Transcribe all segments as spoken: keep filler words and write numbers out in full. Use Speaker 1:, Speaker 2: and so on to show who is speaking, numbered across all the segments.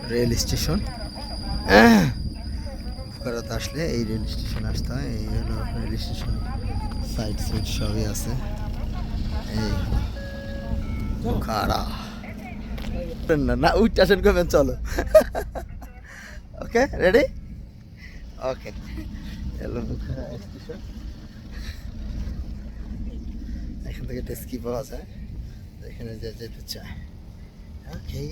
Speaker 1: Rail station. বুখারাতে আসলে এই rail station আসতে হয়। এই হলো রেল স্টেশন, সাইড সাইড সবই আছে। এই বুখারা না না উইট স্টেশন করবেন, চলো। Okay, ready? Okay, hello Bukhara station. এখান থেকে ট্যাক্সি পাওয়া যায়, এখানে যে যেতে চায়। Okay,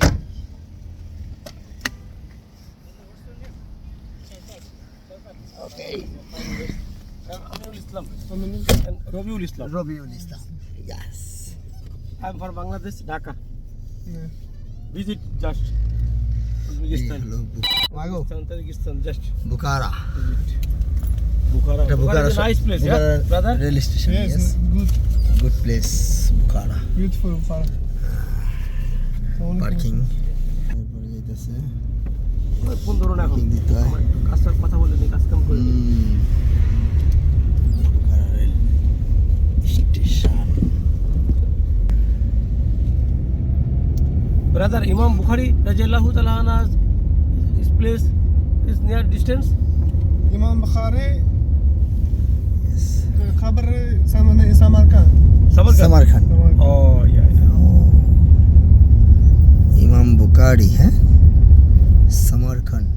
Speaker 1: okay.
Speaker 2: Amirul Islam. And Rabiul Islam.
Speaker 1: Rabiul Islam, yes.
Speaker 2: I'm from Bangladesh, Dhaka.
Speaker 3: Yeah.
Speaker 2: Visit just
Speaker 1: এই
Speaker 2: Uzbekistan.
Speaker 1: হলো বু- মাগো
Speaker 2: Uzbekistan, Tajikistan, just
Speaker 1: Bukhara.
Speaker 2: visit. Bukhara.
Speaker 1: এটা
Speaker 2: Bukhara
Speaker 1: Bukhara
Speaker 2: is a nice place, yeah,
Speaker 1: Bukhara
Speaker 2: brother?
Speaker 1: Rail station,
Speaker 3: Yes,
Speaker 1: yes,
Speaker 3: good,
Speaker 1: good place Bukhara.
Speaker 3: beautiful Bukhara.
Speaker 1: Parking এরপরে যেতেছে,
Speaker 2: ওই phone ধরো না এখন।
Speaker 1: পার্কিং দিতে হয়।
Speaker 2: আমার একটু কাজটার কথা বলে দিই, কাজ কাম করে দিই।
Speaker 1: হুম, Bukhara rail station.
Speaker 2: Brother, Imam Bukhari, Rajallahu Ta'ala anhu, this place is near distance.
Speaker 3: Imam Bukhari,
Speaker 1: Yes.
Speaker 3: Khabar Saman Samarkand.
Speaker 2: Samarkand.
Speaker 1: সামারখান।
Speaker 2: Oh, yeah, yeah.
Speaker 1: ইমাম বুখারি, হ্যাঁ, সামারখান।